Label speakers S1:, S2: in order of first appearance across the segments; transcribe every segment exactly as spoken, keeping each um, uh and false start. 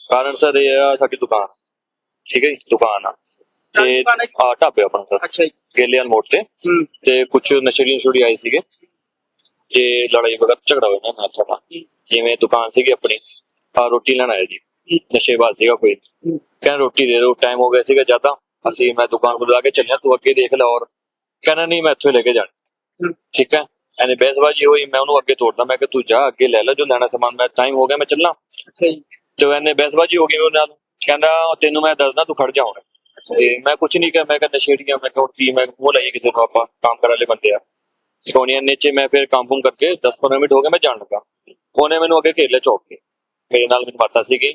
S1: ਕਾਰਨ ਸਰ ਇਹ ਆ ਸਾਡੀ ਦੁਕਾਨ, ਠੀਕ ਹੈ ਜੀ, ਦੁਕਾਨ ਆ ਤੇ ਆ ਢਾਬੇ ਆਪਣਾ ਸਰ।
S2: ਅੱਛਾ ਜੀ।
S1: ਗੇਲੇਵਾਲ ਮੋੜ ਤੇ ਤੇ ਕੁਛ ਨਸ਼ੇੜੀ ਨਸ਼ੇੜੀ ਆਏ ਸੀਗੇ ਤੇ ਲੜਾਈ ਵਗੈਰਾ ਝਗੜਾ ਹੋਇਆ ਨਾ ਨਾਲ ਸਾਡਾ। ਜਿਵੇਂ ਦੁਕਾਨ ਸੀਗੀ ਆਪਣੀ, ਆ ਰੋਟੀ ਲੈਣ ਆਇਆ ਜੀ, ਨਸ਼ੇਬਾਜ਼ ਸੀਗਾ ਕੋਈ, ਕਹਿੰਦਾ ਰੋਟੀ ਦੇ ਦਿਓ, ਟਾਈਮ ਹੋ ਗਿਆ ਸੀਗਾ ਜ਼ਿਆਦਾ। ਅਸੀਂ ਮੈਂ ਦੁਕਾਨ ਕੋਲ ਲਾ ਕੇ ਚੱਲਿਆ, ਤੂੰ ਅੱਗੇ ਦੇਖ ਲੈ, ਔਰ ਕਹਿੰਦਾ ਨਹੀਂ ਮੈਂ ਇੱਥੋਂ ਲੈ ਕੇ ਜਾਣਾ। ਠੀਕ ਹੈ, ਐਨੇ ਬਹਿਸਬਾਜ਼ੀ ਹੋਈ, ਮੈਂ ਉਹਨੂੰ ਅੱਗੇ ਤੋੜਦਾ, ਮੈਂ ਕਿ ਤੂੰ ਜਾ ਅੱਗੇ ਲੈ ਲੈ ਜੋ ਲੈਣਾ ਸਮਾਨ, ਮੈਂ ਟਾਈਮ ਹੋ ਗਿਆ ਮੈਂ ਚੱਲਾਂ। ਤੇ ਐਨੇ ਬਹਿਸਬਾਜ਼ੀ ਹੋ ਗਈ ਉਹ ਨਾਲ, ਕਹਿੰਦਾ ਤੈਨੂੰ ਮੈਂ ਦੱਸਦਾ ਤੂੰ ਖੜ ਜਾ ਹੁਣ। ਤੇ ਮੈਂ ਕੁਛ ਨਹੀਂ ਕਿਹਾ, ਮੈਂ ਕਿਹਾ ਨਸ਼ੇੜੀਆਂ, ਮੈਂ ਕਿਹਾ ਕੀ ਮੈਂ ਮੂੰਹ ਲਾਈਏ ਕਿਸੇ ਨੂੰ, ਆਪਾਂ ਕੰਮ ਕਰਨ ਵਾਲੇ ਬੰਦੇ ਆ। ਸੋਨੀਆ ਨੀਚੇ ਮੈਂ ਫਿਰ ਕੰਮ ਕੁਮ ਕਰਕੇ ਦਸ ਪੰਦਰਾਂ ਮਿੰਟ ਹੋ ਗਏ, ਮੈਂ ਜਾਣ ਲੱਗਾ, ਉਹਨੇ ਮੈਨੂੰ ਅੱਗੇ ਘੇਰ ਲਿਆ ਚੌਕ ਕੇ। ਮੇਰੇ ਨਾਲ ਮੇਰੀ ਮਾਤਾ ਸੀਗੀ,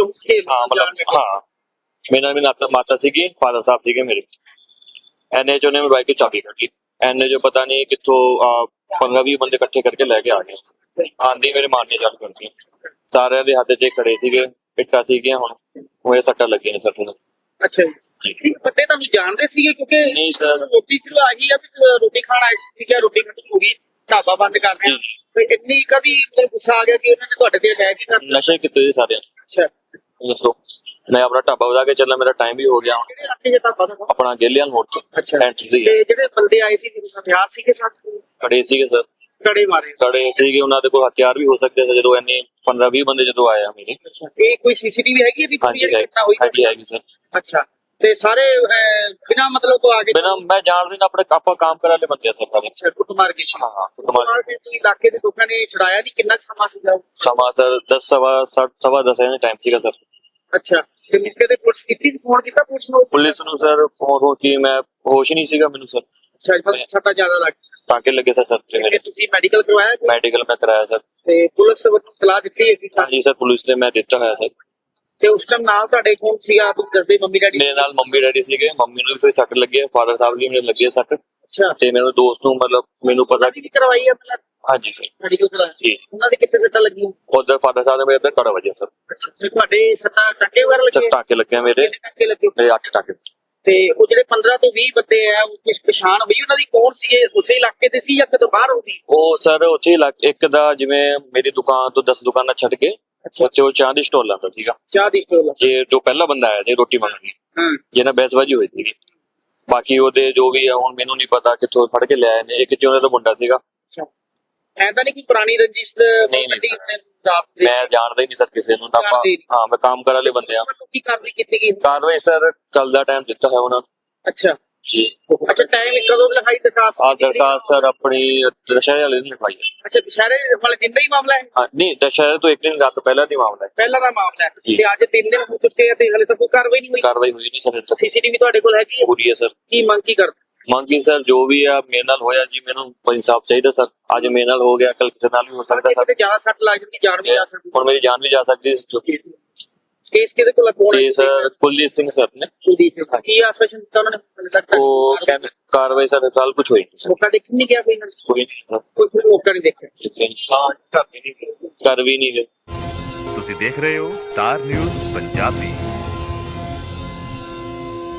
S1: ਹਾਂ ਮਤਲਬ ਹਾਂ ਮੇਰੇ ਨਾਲ ਮੇਰੀ ਮਾਤਾ ਸੀਗੀ, ਫਾਦਰ ਸਾਹਿਬ ਸੀਗੇ ਮੇਰੇ। ਐਨੇ ਚ ਉਹਨੇ ਮੇਰੀ ਬਾਈਕ ਦੀ ਚਾਬੀ ਕੱਢੀ, ਐਨੇ ਜੋ ਪਤਾ ਨਹੀਂ ਕਿੱਥੋਂ ਪੰਦਰਾਂ ਵੀਹ ਬੰਦੇ ਇਕੱਠੇ ਕਰਕੇ ਲੈ ਕੇ ਆ ਗਏ। ਆਂਦੀ ਮੇਰੇ ਮਾਰਨੇ ਚਾਲੂ ਕਰਦੀ, ਸਾਰਿਆਂ ਦੇ ਹੱਥ ਚ ਖੜੇ ਸੀਗੇ, ਪਿੱਟਾਂ ਸੀਗੀਆਂ, ਹੁਣ ਉਹ ਸੱਟਾਂ ਲੱਗੀਆਂ ਨੇ ਸੱਟ ਨੂੰ।
S2: ਅੱਛਾ ਜੀ, ਬੰਦੇ ਤੁਹਾਨੂੰ ਜਾਣਦੇ ਸੀਗੇ? ਕਿਉਂਕਿ
S1: ਨਹੀਂ ਸਰ,
S2: ਰੋਟੀ ਸਿਰਫ ਆਹੀ ਆ ਵੀ ਰੋਟੀ ਖਾਣ ਆਏ ਸੀ, ਠੀਕ ਹੈ, ਰੋਟੀ ਖਤਮ ਹੋ ਗਈ, ਢਾਬਾ ਬੰਦ ਕਰ ਦਿਆ, ਤੇ ਇੰਨੀ ਕਦੀ ਗੁੱਸਾ ਆ ਗਿਆ ਕਿ ਉਹਨਾਂ ਨੇ ਤੁਹਾਡੇ ਤੇ ਅਟੈਕ ਹੀ ਕਰ ਦਿੱਤਾ? ਨਸ਼ੇ
S1: ਕੀਤੇ ਜੀ ਸਾਰੇ।
S2: ਅੱਛਾ
S1: ਦੱਸੋ, ਮੈਂ ਆਪਣਾ ਢਾਬਾ ਵਧਾ ਕੇ ਚੱਲਾਂ, ਮੇਰਾ ਟਾਈਮ ਵੀ ਹੋ ਗਿਆ।
S2: ਕਿਹੜੇ ਇਲਾਕੇ ਚ ਢਾਬਾ ਤੁਹਾਡਾ?
S1: ਆਪਣਾ ਗੇਲੇਵਾਲ ਮੋੜ ਤੋਂ।
S2: ਅੱਛਾ,
S1: ਐਂਟਰੀ ਸੀ।
S2: ਤੇ ਜਿਹੜੇ ਬੰਦੇ ਆਏ ਸੀ ਹਥਿਆਰ ਸੀਗੇ? ਸੱਸ
S1: ਖੜੇ ਸੀਗੇ ਸਰ,
S2: ਕੜੇ ਮਾਰੇ
S1: ਖੜੇ ਸੀਗੇ, ਉਹਨਾਂ ਦੇ ਕੋਲ ਹਥਿਆਰ ਵੀ ਹੋ ਸਕਦੇ ਸੀ ਜਦੋਂ ਇੰਨੇ ਪੰਦਰਾਂ ਵੀਹ ਬੰਦੇ ਜਦੋਂ ਆਏ ਆ ਮੇਰੇ।
S2: ਇਹ ਕੋਈ ਸੀਸੀਟੀਵੀ ਹੈਗੀ ਇਹਦੀ?
S1: ਹਾਂਜੀ ਹਾਂਜੀ ਹੈਗੀ ਸਰ।
S2: ਅੱਛਾ, ਤੇ ਸਾਰੇ ਬਿਨਾ ਮਤਲਬ ਤੋਂ ਆ ਕੇ?
S1: ਬਿਨਾ, ਮੈਂ ਜਾਣਦੇ ਨਾ, ਆਪਣੇ ਆਪਾਂ ਕੰਮ ਕਰਾ ਲੈ ਬੰਦੇ ਆ ਸਰ।
S2: ਅੱਛਾ, ਕੁੱਟ ਮਾਰ ਕੇ?
S1: ਹਾਂ ਹਾਂ, ਕੁੱਟ ਮਾਰ ਕੇ।
S2: ਤੁਸੀਂ ਇਲਾਕੇ ਦੇ ਲੋਕਾਂ ਨੇ ਛੁਡਾਇਆ ਨਹੀਂ? ਕਿੰਨਾ ਸਮਾਂ ਸੀਗਾ?
S1: ਸਮਾਂ ਸਰ ਦਸ ਸਵਾ ਸਵਾ ਦਸ ਦਾ ਟਾਈਮ ਸੀਗਾ ਸਰ।
S2: ਅੱਛਾ, ਤੇ ਮੌਕੇ ਤੇ ਪੁਲਿਸ ਕੀਤੀ, ਫੋਨ ਕੀਤਾ ਪੁਲਿਸ ਨੂੰ?
S1: ਪੁਲਿਸ ਨੂੰ ਸਰ ਫੋਨ ਹੋ ਕੇ ਮੈਂ ਹੋਸ਼ ਨਹੀਂ ਸੀਗਾ ਮੈਨੂੰ ਸਰ।
S2: ਅੱਛਾ, ਛੱਟਾ ਜ਼ਿਆਦਾ ਲੱਗ
S1: ਟਾਂਕੇ ਲੱਗੇ ਸਰ ਸਰ ਤੇ ਮੇਰੇ।
S2: ਤੁਸੀਂ ਮੈਡੀਕਲ ਕਰਵਾਇਆ?
S1: ਮੈਡੀਕਲ ਮੈਂ ਕਰਾਇਆ ਸਰ।
S2: ਤੇ ਪੁਲਿਸ ਵੱਲੋਂ ਸਲਾਹ ਦਿੱਤੀ ਹੈ?
S1: ਹਾਂਜੀ ਸਰ, ਪੁਲਿਸ ਨੇ ਮੈਂ ਦਿੱਤਾ ਹੋਇਆ ਸਰ।
S2: ਤੇ ਉਸ ਟਾਈਮ ਨਾਲ ਤੁਹਾਡੇ ਕੌਣ ਸੀਗਾ? ਤੁਸੀਂ ਦੱਸਦੇ ਮੰਮੀ ਡੈਡੀ?
S1: ਮੇਰੇ ਨਾਲ ਮੰਮੀ ਡੈਡੀ ਸੀਗੇ, ਮੰਮੀ ਨੂੰ ਵੀ ਕੋਈ ਸੱਟ ਲੱਗੀ ਹੈ, ਫਾਦਰ ਸਾਹਿਬ ਲਈ ਮੇਰੇ ਲੱਗੀ ਹੈ ਸੱਟ।
S2: ਅੱਛਾ,
S1: ਤੇ ਮੇਰੇ ਦੋਸਤ ਨੂੰ ਮਤਲਬ ਮੈਨੂੰ ਪਤਾ
S2: ਕਿ ਕਰਵਾਈ ਹੈ ਮਤਲਬ?
S1: ਹਾਂਜੀ ਸਰ,
S2: ਮੈਡੀਕਲ ਕਰਾਇਆ
S1: ਜੀ।
S2: ਉਹਨਾਂ ਦੇ ਕਿੱਥੇ ਸੱਟਾਂ ਲੱਗੀਆਂ?
S1: ਉਧਰ ਫਾਦਰ ਸਾਹਿਬ ਦੇ ਮੇਰੇ ਇੱਧਰ ਕੜਾ ਵਜਿਆ ਸਰ।
S2: ਅੱਛਾ, ਤੇ ਤੁਹਾਡੇ ਸੱਟਾਂ ਟਾਂਕੇ ਵਗੈਰਾ ਲੱਗੇ?
S1: ਟਾਂਕੇ ਲੱਗੇ ਮੇਰੇ।
S2: ਟਾਂਕੇ ਲੱਗੇ
S1: ਮੇਰੇ ਅੱਠ ਟਾਂਕੇ।
S2: ਤੇ ਉਹ ਜਿਹੜੇ ਪੰਦਰਾਂ ਤੋਂ ਵੀਹ ਬੰਦੇ ਆ, ਕੁਝ ਪਛਾਣ ਹੋਈ ਉਹਨਾਂ ਦੀ? ਕੌਣ ਸੀ? ਉਸੇ ਇਲਾਕੇ ਦੇ ਸੀ ਜਾਂ ਕਿਤੋਂ ਬਾਹਰ ਹੋਦੀ?
S1: ਉਹ ਸਰ ਉੱਥੇ ਇੱਕ ਦਾ, ਜਿਵੇਂ ਮੇਰੀ ਦੁਕਾਨ ਤੋਂ ਦਸ ਦੁਕਾਨਾਂ ਛੱਡ ਕੇ ਉੱਥੇ ਉਹ ਚਾਹ ਦੀ ਸਟੋਲ ਲਾਉਂਦਾ ਸੀਗਾ।
S2: ਚਾਹ ਦੀ ਸਟੋਲ?
S1: ਜੇ ਜੋ ਪਹਿਲਾ ਬੰਦਾ ਆਇਆ ਜੇ ਰੋਟੀ ਮੰਗਣ ਲਈ,
S2: ਹਾਂ,
S1: ਜਿਹਨਾਂ ਬਹਿਸਬਾਜ਼ੀ ਹੋਈ ਸੀਗੀ। ਬਾਕੀ ਉਹਦੇ ਜੋ ਵੀ ਆ ਹੁਣ ਮੈਨੂੰ ਨਹੀਂ ਪਤਾ ਕਿੱਥੋਂ ਫੜ ਕੇ ਲਿਆਏ ਨੇ, ਇੱਕ ਜਿਹਨਾਂ ਦਾ ਮੁੰਡਾ ਸੀਗਾ।
S2: ਅੱਛਾ, ਐਂਦਾ ਨਹੀਂ ਕੋਈ ਪੁਰਾਣੀ ਰੰਜਿਸ਼?
S1: ਨਹੀਂ ਨਹੀਂ ਮੈਂ ਜਾਣਦਾ ਹੀ ਨਹੀਂ ਸਰ ਕਿਸੇ ਨੂੰ। ਆਪਾਂ ਹਾਂ ਮੈਂ ਕੰਮ ਕਰਨ ਵਾਲੇ ਬੰਦੇ ਆ।
S2: ਕੀ ਕਾਰਵਾਈ ਕੀਤੀ ਗਈ?
S1: ਕਾਰਵਾਈ ਸਰ ਕੱਲ ਦਾ ਟਾਈਮ ਦਿੱਤਾ ਹੈ ਉਹਨਾਂ ਨੂੰ।
S2: ਅੱਛਾ
S1: ਜੀ।
S2: ਅੱਛਾ, ਟਾਈਮ ਕਦੋਂ ਲਿਖਾਈ ਦਰਖਾਸਤ?
S1: ਆ ਦਰਖਾਸਤ ਸਰ ਆਪਣੀ ਦੁਸ਼ਹਿਰੇ ਵਾਲੇ ਦਿਨ ਲਿਖਾਈ ਹੈ।
S2: ਅੱਛਾ, ਦੁਸ਼ਹਿਰੇ ਵਾਲੇ ਦਿਨ ਦਾ ਹੀ ਮਾਮਲਾ ਹੈ?
S1: ਹਾਂ ਨਹੀਂ, ਦੁਸ਼ਹਿਰੇ ਤੋਂ ਇੱਕ ਦਿਨ ਰਾਤ ਪਹਿਲਾਂ ਦੀ ਮਾਮਲਾ ਹੈ।
S2: ਪਹਿਲਾਂ ਦਾ ਮਾਮਲਾ ਹੈ ਤੇ ਅੱਜ ਤਿੰਨ ਦਿਨ ਹੋ ਚੁੱਕੇ ਆ ਤੇ ਹਲੇ ਤੱਕ ਕੋਈ ਕਾਰਵਾਈ ਨਹੀਂ ਹੋਈ?
S1: ਕਾਰਵਾਈ ਹੋਈ ਨਹੀਂ ਸਰ।
S2: ਸੀਸੀਟੀਵੀ ਤੁਹਾਡੇ ਕੋਲ ਹੈਗੀ?
S1: ਪੂਰੀ ਹੈ ਸਰ।
S2: ਕੀ ਮੰਗ ਕੀ ਕਰਦੇ?
S1: ਮੰਗੀ ਸਰ ਜੋ ਵੀ ਆ ਮੇਰੇ ਨਾਲ ਹੋਇਆ ਜੀ, ਮੈਨੂੰ ਇਨਸਾਫ ਚਾਹੀਦਾ ਸਰ। ਅੱਜ ਮੇਰੇ ਨਾਲ ਹੋ ਗਿਆ, ਕੱਲ ਕਿਸੇ ਨਾਲ ਵੀ ਹੋ ਸਕਦਾ ਸਰ।
S2: ਜਿਆਦਾ ਸੱਟ ਲੱਗ ਜਾਂਦੀ, ਜਾਨ ਵੀ ਜਾ ਸਕਦੀ।
S1: ਹੁਣ ਮੇਰੀ ਜਾਨ ਵੀ ਜਾ ਸਕਦੀ ਹੈ।
S2: ਕੇਸ ਕਿਹਦੇ ਕੋਲ ਹੈ?
S1: ਜੀ ਸਰ ਕੁਲਦੀਪ ਸਿੰਘ ਸਰ ਨੇ।
S2: ਕੁਲਦੀਪ ਸਿੰਘ ਕੀ ਆਸ਼ਵਾਸਨ ਦਿੱਤਾ ਉਹਨਾਂ ਨੇ?
S1: ਉਹ ਕਹਿੰਦੇ ਕਾਰਵਾਈ ਸਰ ਕੱਲ ਕੁਝ ਹੋਈ ਨਹੀਂ।
S2: ਮੌਕਾ ਦੇਖਣ ਨਹੀਂ ਗਿਆ ਕੋਈ?
S1: ਕੋਈ ਨਹੀਂ ਸਰ,
S2: ਕੋਈ ਮੌਕਾ ਨਹੀਂ ਦੇਖਿਆ।
S1: ਹਾਂ, ਕਰ ਵੀ ਨਹੀਂ ਗਏ।
S3: ਤੁਸੀਂ ਦੇਖ ਰਹੇ ਹੋ ਸਟਾਰ ਨਿਊਜ਼ ਪੰਜਾਬੀ।